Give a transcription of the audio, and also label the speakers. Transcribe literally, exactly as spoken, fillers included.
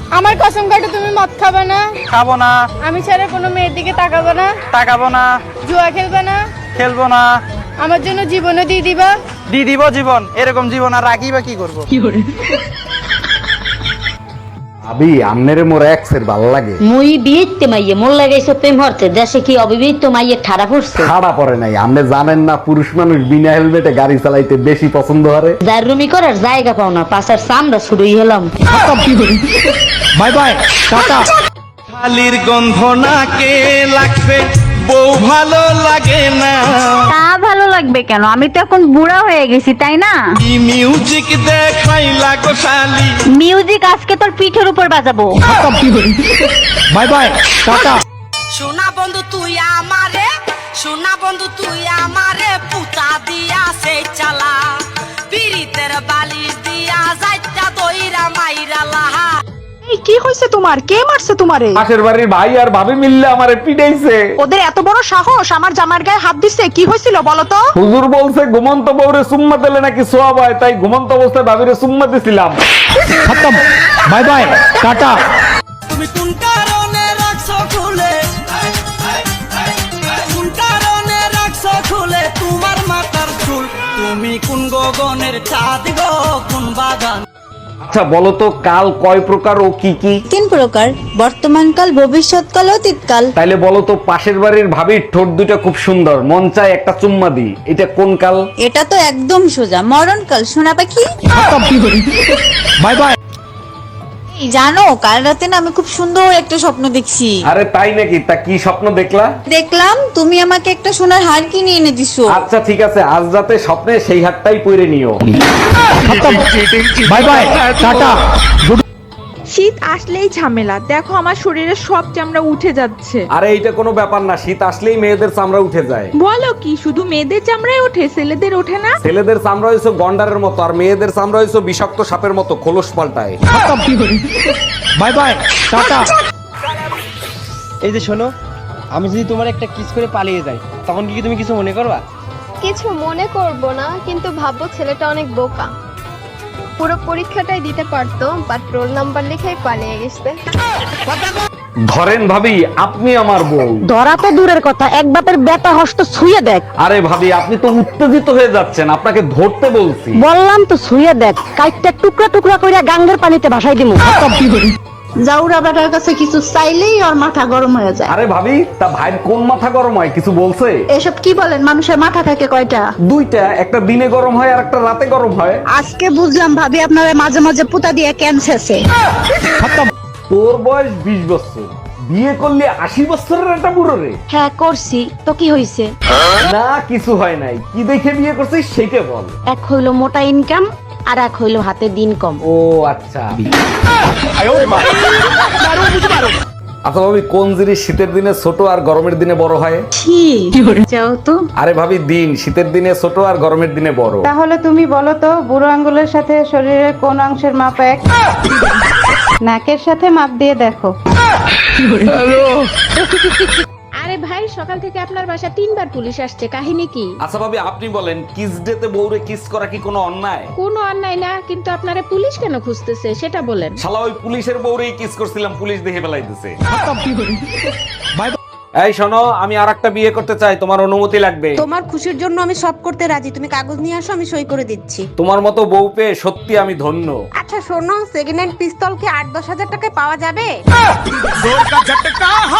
Speaker 1: আমার কসম কাটে তুমি মদ খাবে না?
Speaker 2: খাবো না।
Speaker 1: আমি ছাড়া কোনো মেয়ের দিকে তাকাবো না?
Speaker 2: তাকাবো না।
Speaker 1: জুয়া খেলবে না?
Speaker 2: খেলবো না।
Speaker 1: আমার জন্য জীবনও দিয়ে দিবা?
Speaker 2: দিয়ে দিব জীবন। এরকম জীবন আর রাখি বা কি করবো?
Speaker 3: আবি আমনেরে মোর এক্সের ভালো লাগে।
Speaker 4: মুই বিয়েতে মাইয়ে মোর লাগাইছে প্রেম হরতে, দেশে কি অবিবাহিত মাইয়ে ঠাড়া পড়ছে?
Speaker 3: খাড়া পড়ে নাই, আপনি জানেন না পুরুষ মানুষ বিনা হেলমেটে গাড়ি চালাইতে বেশি পছন্দ করে।
Speaker 4: যার রুমি করার জায়গা পাও না, পাশার চামড়া শুরুই হলাম।
Speaker 2: Bye bye, tata.
Speaker 5: শালির গন্ধ নাকে লাগছে, বউ ভালো লাগে না।
Speaker 6: তা ভালো লাগবে কেন? আমি তো এখন বুড়া হয়ে গেছি, তাই না?
Speaker 5: কি মিউজিক দেখাই লাগো শালি।
Speaker 6: মিউজিক আজকে তোর পিঠের উপর বাজাবো।
Speaker 2: Bye bye, tata.
Speaker 7: সোনা বন্ধু তুই আমারে, সোনা বন্ধু তুই আমারে পুতা দিয়া সেই চালা, পিরিতের বালিশ দিয়া যাইতা দইরা মাইরা লাহা।
Speaker 8: কি হয়েছে তোমার? কে মারছে তোমারে?
Speaker 3: পাশের বাড়ির ভাই আর ভাবি মিললে আমারে পিটাইছে।
Speaker 8: ওদের এত বড় সাহস আমার জামার গায়ে হাত দিচ্ছে? কি হয়েছিল বলো তো?
Speaker 3: হুজুর বলছে ঘুমন্ত বউরে সুম্মা দিলে নাকি সোয়াব হয়, তাই ঘুমন্ত অবস্থায় ভাবিরে সুম্মা দিছিলাম।
Speaker 2: খতম। Bye bye, tata.
Speaker 7: তুমি কোন কারণে রাখছো খুলে, কোন কারণে রাখছো খুলে তোমার মাথার চুল, তুমি কোন গগনের চাঁদ গো, কোন বাগান।
Speaker 3: আচ্ছা বলো তো কাল কয় প্রকার ও কি কি?
Speaker 9: তিন প্রকার, বর্তমানকাল, ভবিষ্যৎকাল, অতীতকাল।
Speaker 3: তাইলে বলো তো পাশের বাড়ির ভাবির ঠোঁট দুটো খুব সুন্দর, মন চায় একটা চুম্মা দি, এটা কোন কাল?
Speaker 9: এটা তো একদম সোজা, মরণকাল। সোনা পাখি,
Speaker 2: বাই বাই।
Speaker 9: এই জানো কাল রাতে না আমি খুব সুন্দর একটা স্বপ্ন দেখছি।
Speaker 3: আরে তাই নাকি? তা কি স্বপ্ন দেখলা?
Speaker 9: দেখলাম তুমি আমাকে একটা সোনার হার কিনে এনে দিছো।
Speaker 3: আচ্ছা ঠিক আছে, আজ রাতে স্বপ্নে সেই হাতটাই পরে নিও।
Speaker 2: Bye bye, tata.
Speaker 8: শীত আসলেই ঝামেলা, দেখো আমার শরীরের সব চামড়া উঠে যাচ্ছে।
Speaker 3: আরে এইটা কোনো ব্যাপার না, শীত আসলেই মেয়েদের চামড়া উঠে যায়।
Speaker 8: বলো কি? শুধু মেয়েদের চামড়ায় ওঠে, ছেলেদের ওঠে না?
Speaker 3: ছেলেদের চামড়া হয়েছে গন্ডারের মতো, আর মেয়েদের চামড়া হয়েছে বিষাক্ত সাপের মতো, খোলস পাল্টায়।
Speaker 2: Bye bye, tata.
Speaker 10: এই যে শোনো, আমি যদি তোমার একটা কিস করে পালিয়ে যাই, তখন কি তুমি কিছু মনে করবা?
Speaker 1: কিছু মনে করব না, কিন্তু ভাববো ছেলেটা অনেক বোকা। পুরো পরীক্ষাটাই দিতে পারতো, বাট রোল নাম্বার লিখেই পালিয়ে গেছে।
Speaker 3: ধরেন ভাবি আপনি আমার বউ।
Speaker 4: ধরা তো দূরের কথা, এক বাপের বেটা হস্ত ছুঁয়ে দেখ।
Speaker 3: আরে ভাবি আপনি তো উত্তেজিত হয়ে যাচ্ছেন, আপনাকে ধরতে বলছি।
Speaker 4: বললাম তো ছুঁয়ে দেখ, কাইটটা টুকরা টুকরা কইরা গাঙ্গের পানিতে ভাসাই দিমু।
Speaker 9: জাউরা বেটার কাছে কিছু চাইলেই ওর মাথা গরম হয়ে যায়।
Speaker 3: আরে ভাবি তা ভাইয়ের কোন মাথা গরম হয়, কিছু বলছে?
Speaker 9: এসব কি বলেন? মানুষের মাথা থাকে কয়টা?
Speaker 3: দুইটা, একটা দিনে গরম হয় আর একটা রাতে গরম হয়।
Speaker 9: আজকে বুঝলাম ভাবি আপনারা মাঝে মাঝে পুতা দিয়ে ক্যান্সারছে।
Speaker 3: তোর বয়স বিশ বছর, বিয়ে করলে আশি বছরের একটা বুড়ো রে।
Speaker 4: হ্যাঁ করছি তো, কি হইছে?
Speaker 3: না কিছু হয় নাই, কি দেখে বিয়ে করছিস সেইটা বল।
Speaker 4: এক হইলো মোটা ইনকাম, আর এক হইলো হাতে দিন কম।
Speaker 3: ও আচ্ছা। আচ্ছা ভাবি কোন জিনিস শীতের দিনে ছোট আর গরমের দিনে বড় হয়?
Speaker 9: যাও তো।
Speaker 3: আরে ভাবি দিন শীতের দিনে ছোট আর গরমের দিনে বড়।
Speaker 1: তাহলে তুমি বলো তো, বুড়ো আঙ্গুলের সাথে শরীরের কোন অংশের মাপ এক? নাকের সাথে মাপ দিয়ে দেখো।
Speaker 8: আরে ভাই, সকাল থেকে আপনার বাসা তিনবার পুলিশ আসছে, কাহিনী কি?
Speaker 3: আচ্ছা ভাবি আপনি বলেন, কিস ডেতে বউরে কিস করা কি কোনো অন্যায়?
Speaker 8: কোনো অন্যায় না, কিন্তু আপনারা পুলিশ কেন খুঁজতেছে সেটা বলেন।
Speaker 3: শালা ওই পুলিশের বউরেই কিস করছিলাম, পুলিশ দেখে ফেলাই দিছে। এই শোনো, আমি আরেকটা বিয়ে করতে চাই, তোমার অনুমতি লাগবে।
Speaker 9: তোমার খুশির জন্য আমি সব করতে রাজি, তুমি কাগজ নিয়ে আসো, আমি সই করে দিচ্ছি।
Speaker 3: তোমার মতো বউ পেয়ে সত্যি আমি ধন্য।
Speaker 9: আচ্ছা শোনো, সেকেন্ড হ্যান্ড পিস্তল কি আট দশ হাজার টাকায় পাওয়া যাবে?